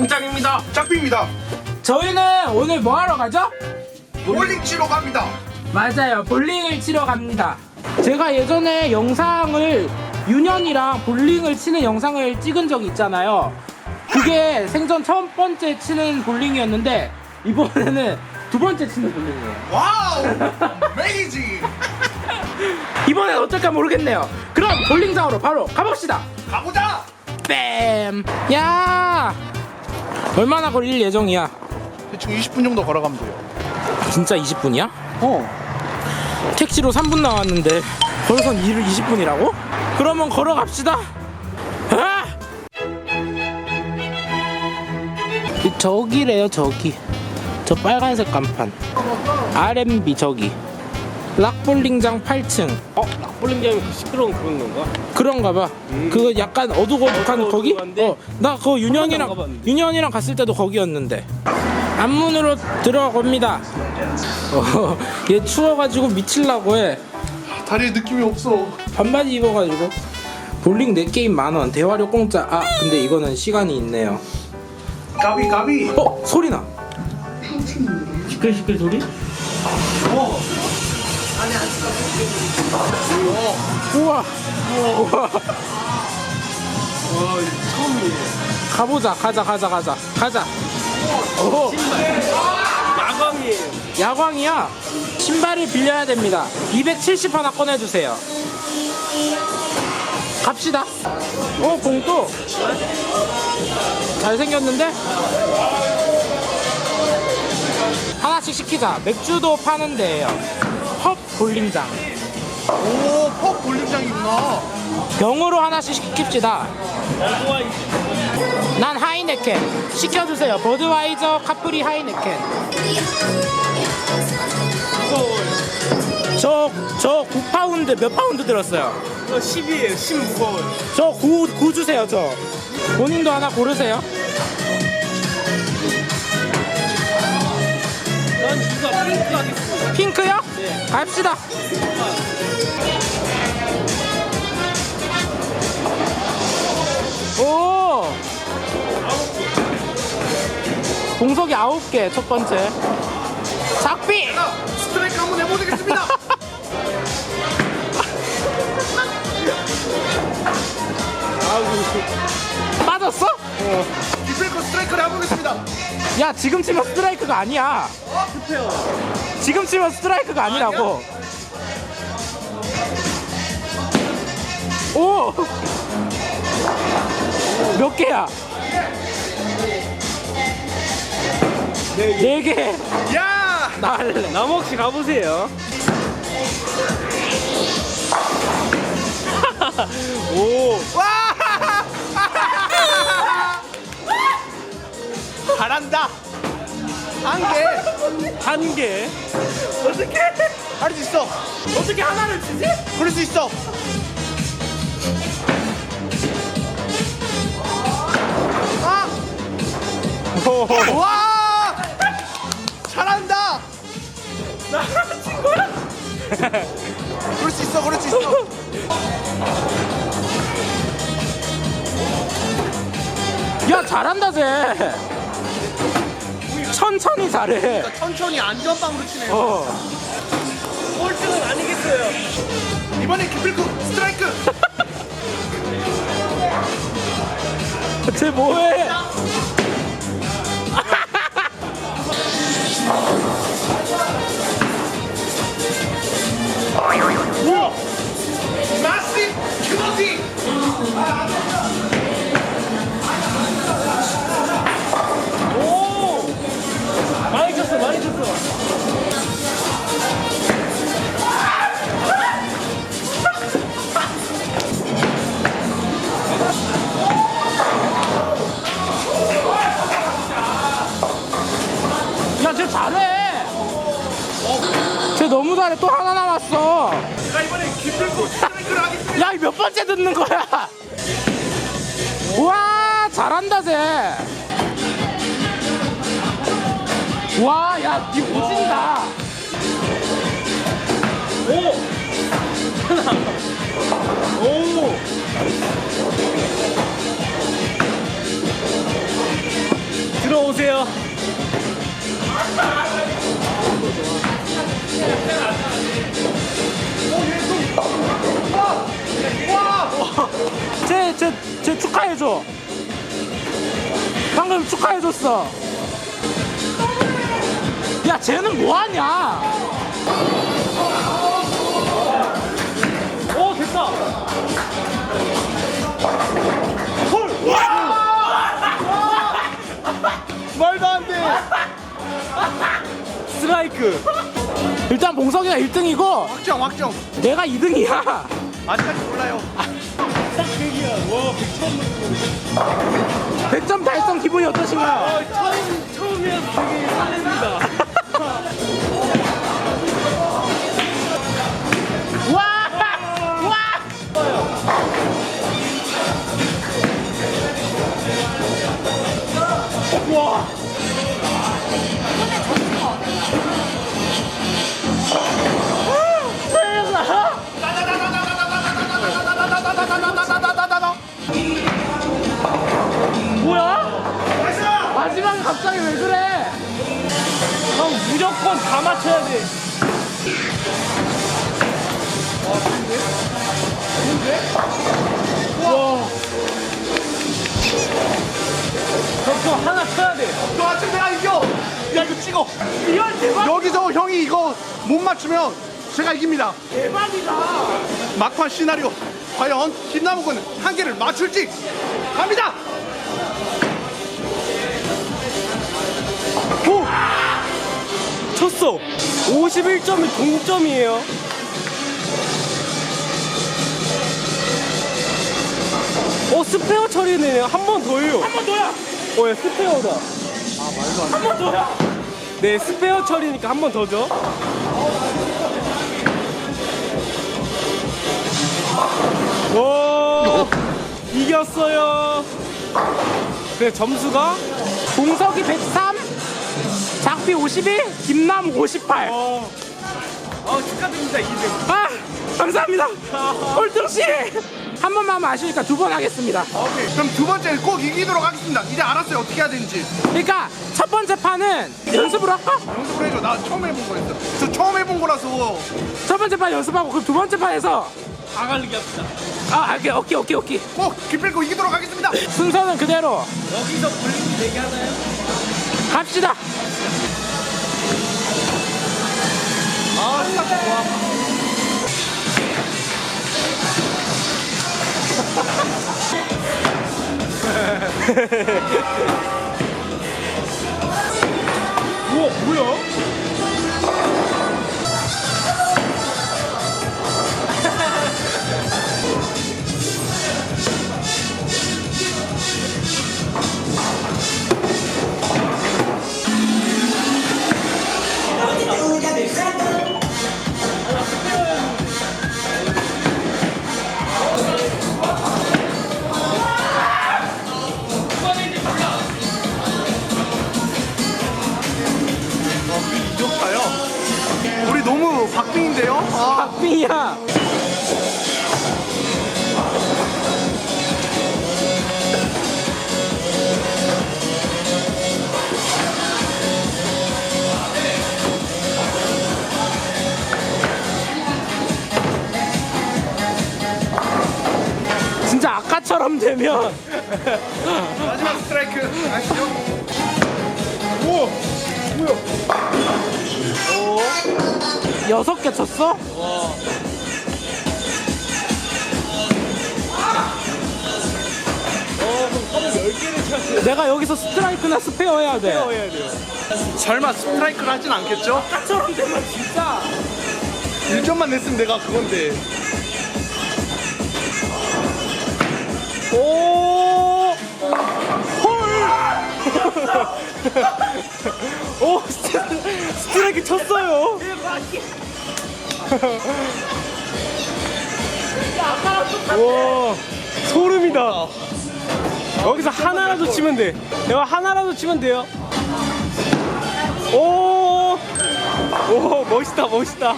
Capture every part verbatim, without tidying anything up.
공장입니다. 짝비입니다. 저희는 오늘 뭐 하러 가죠? 볼링 치러 갑니다. 맞아요, 볼링을 치러 갑니다. 제가 예전에 영상을 윤현이랑 볼링을 치는 영상을 찍은 적이 있잖아요. 그게 생전 첫 번째 치는 볼링이었는데 이번에는 두 번째 치는 볼링이에요. 와우, 메이징. 이번엔 어떨까 모르겠네요. 그럼 볼링장으로 바로 가봅시다. 가보자. 뺨. 야, 얼마나 걸릴 예정이야? 대충 이십 분 정도 걸어가면 돼요. 진짜 이십 분이야? 어. 택시로 삼 분 나왔는데 걸어선 일을 이십 분이라고? 그러면 걸어갑시다. 아! 저기래요, 저기. 저 빨간색 간판. 알엠비 저기. 락볼링장 팔 층. 어? 락볼링장이 그 시끄러운 그런 건가? 그런가 봐. 음. 그거 약간 어두컴컴한 어, 거기? 어두컴한데? 어, 나 그거 안 윤현이랑 가봤는데. 윤현이랑 갔을 때도 거기였는데. 앞문으로 들어갑니다. 어, 얘 추워가지고 미칠라고 해. 다리에 느낌이 없어. 반바지 입어가지고. 볼링 네 게임 만 원, 대화료 공짜. 아, 근데 이거는 시간이 있네요. 가비 가비. 어, 소리 나. 시끌시끌 소리? 어. 우와. 우와. 와 처음이에요. 가보자. 가자, 가자, 가자, 가자. 오, 야광이에요. 야광이야. 신발을 빌려야 됩니다. 이백칠십 하나 꺼내주세요. 갑시다. 어, 봉또 잘생겼는데? 하나씩 시키자. 맥주도 파는 데예요. 펍 볼링장. 오, 펍 볼링장이구나. 병으로 하나씩 시킵시다. 난 하이네켄 시켜주세요. 버드와이저 카프리 하이네켄. 저, 저 구 파운드 몇 파운드 들었어요? 이거 십이에요. 십 무거워요. 저 구, 구 주세요. 저 본인도 하나 고르세요. 난 이거 핑크 하겠습니다. 핑크요? 네. 갑시다. 오, 공석이 아홉 개. 첫 번째 작비. 스트라이크 한번 해보겠습니다. 빠졌어? 디플코 스트라이크를 해보겠습니다. 야, 지금 치면 스트라이크가 아니야. 급해요. 지금 치면 스트라이크가 아니라고. 오! 몇 개야? 네 개. 야, 나 할래. 나무 혹시 가보세요. 오. 와. 잘한다. 한 개. 한 개. 어떻게? 할 수 있어. 어떻게 하나를 치지? 그럴 수 있어. 아! 와! 잘한다. 나친 거야? 그럴 수 있어. 그럴 수 있어. 야, 잘한다 쟤. 천천히 잘해. 천천히 안전빵으로 치네요. 어. 꼴등은 아니겠어요. 이번에 기필코 스트라이크. 쟤 뭐해? 우와! 마시 큐너티. 오. 많이 쳤어. 많이 쳤어. 야, 쟤 잘해. 쟤 너무 잘해. 또 하나 남았어. 제가 이번에 기필코 스트라이크를 하겠습니다. 야, 몇 번째 듣는 거야? 우와, 잘한다 쟤. 와, 야, 니 오진다. 오. 하나. 오. 쟤, 쟤 축하해줘. 방금 축하해줬어. 야, 쟤는 뭐하냐? 오, 됐다. 말도 안 돼. 스트라이크. 일단 봉석이가 일 등이고 확정 확정. 내가 이 등이야. 아직까지 몰라요. 딱 백이야. 와, 백점. 백 점 달성 기분이 어떠신가요? 아, 처음, 처음이어서 되게 설렙니다. 와! 와! 와! 뭐야? 마지막에 갑자기 왜 그래? 형, 무조건 다 맞춰야 돼. 와. 형, 저 하나 쳐야 돼. 너 아침 내가 이겨. 야 이거 찍어. 이건 대박, 여기서 형이 이거 못 맞추면 제가 이깁니다. 대박이다. 막판 시나리오. 과연 김남욱 군은 한 개를 맞출지 갑니다. 오! 쳤어. 오십일 점이 동점이에요. 어, 스페어 처리네요. 한 번 더요. 한 번 더야. 어, 야, 스페어다. 한 번 더야. 네, 스페어 처리니까 한 번 더죠. 오, 이겼어요. 그래, 점수가 봉석이 백삼, 작비 오십일, 김남 오십팔. 어, 어 축하드립니다. 이 등. 아, 감사합니다. 꼴등씨. 한 번만 하면 아쉬우니까 두 번 하겠습니다. 오케이. 그럼 두 번째는 꼭 이기도록 하겠습니다. 이제 알았어요 어떻게 해야 되는지. 그러니까 첫 번째 판은 연습으로 할까? 연습을 해줘. 나 처음 해본 거였어. 저 처음 해본 거라서. 첫 번째 판 연습하고 그럼 두 번째 판에서 다 갈리게 합시다. 아, 오케이, 오케이, 오케이, 오케이. 꼭 기필코 이기도록 하겠습니다. 순서는 그대로 여기서 볼링 되게 하나요? 갑시다. 아 스타트 좋아. 우와, 뭐야? 이겼어요. 우리 너무 박빙인데요. 아. 박빙이야. 진짜 아까처럼 되면 마지막 스트라이크 아시죠? 오! 뭐야? 여섯 개 쳤어? 열 개를 쳐야 내가 여기서 스트라이크나 스페어 해야 돼. 해야 돼요. 설마 스트라이크를 하진 않겠죠? 아까처럼 되면 진짜. 일 점만 냈으면 내가 그건데. 오! 헐! 오, 스트, 스트라이크 쳤어요. 와, 소름이다. 여기서 하나라도 치면 돼. 내가 하나라도 치면 돼요. 오, 오, 멋있다, 멋있다.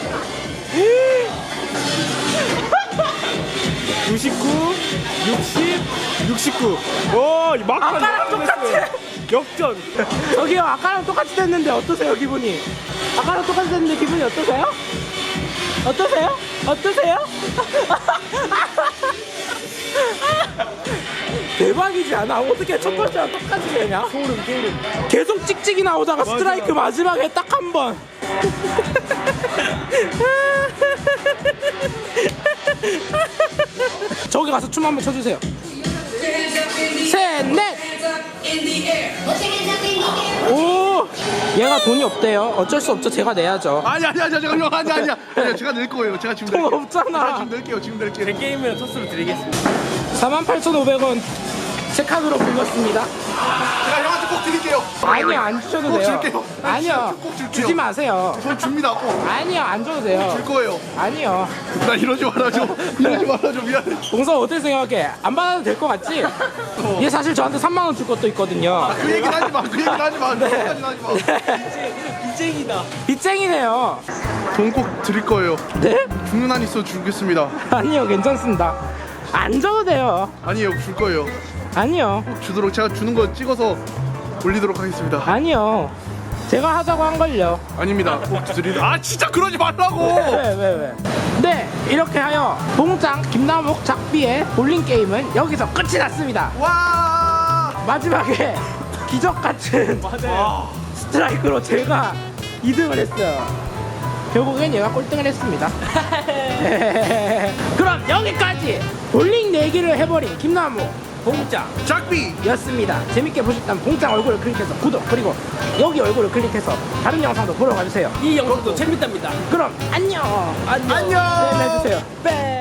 구십구, 육십, 육십구. 오, 막판 아까랑 똑같아. 역전. 저기요, 아까랑 똑같이 됐는데 어떠세요, 기분이? 아까랑 똑같이 됐는데 기분이 어떠세요? 어떠세요? 어떠세요? 대박이지 않아? 어떻게 첫 번째랑 똑같이 되냐? 소름 소름. 계속 찍찍이 나오다가 스트라이크 마지막에 딱 한 번. 저기 가서 춤 한번 춰주세요. 셋, 넷. 오, 얘가 돈이 없대요. 어쩔 수 없죠. 제가 내야죠. 아니 아니 아니 잠깐만요. 아니 아니야. 아니 제가 낼 거예요. 제가 지금 돈 낼게요. 없잖아. 제가 지금 낼게요. 지금 낼게요. 제 게임이랑 토스로 드리겠습니다. 사만 팔천오백 원 제 카드로 긁었습니다. 제가 형한테 꼭 드릴게요. 아니요, 안 주셔도 꼭 돼요. 줄게요. 아니요, 꼭 줄게요. 주지 마세요. 저 줍니다. 꼭. 아니요, 안 줘도 돼요. 줄 거예요. 아니요. 나 이러지 말아줘. 이러지 말아줘. 미안해. 봉서 어떻게 생각해? 안 받아도 될 것 같지? 얘 사실 저한테 삼만 원 줄 것도 있거든요. 그 얘기는 하지 마. 그 얘기는 하지 마. 그거까지는 하지 마. 빚쟁이다. 빚쟁이네요. 돈 꼭 드릴 거예요. 네? 죽는 한 있어 주겠습니다. 아니요, 괜찮습니다. 안 줘도 돼요. 아니에요. 줄 거예요. 아니요, 꼭 주도록 제가 주는 거 찍어서 올리도록 하겠습니다. 아니요. 제가 하자고 한 걸요. 아닙니다. 꼭 드리는. 아 진짜 그러지 말라고. 왜, 왜, 왜? 네, 이렇게 하여 봉짱 김나목 작비의 볼링 게임은 여기서 끝이 났습니다. 와. 마지막에 기적 같은 맞아요. 스트라이크로 제가 이 등을 했어요. 결국엔 얘가 꼴등을 했습니다. 그럼 여기까지 볼링 내기를 해버린 김나무 봉짱. 작비였습니다. 재밌게 보셨다면 봉짱 얼굴을 클릭해서 구독, 그리고 여기 얼굴을 클릭해서 다른 영상도 보러 가주세요. 이 영상도 재밌답니다. 그럼 안녕. 안녕. 안녕. 네, 해주세요. 네.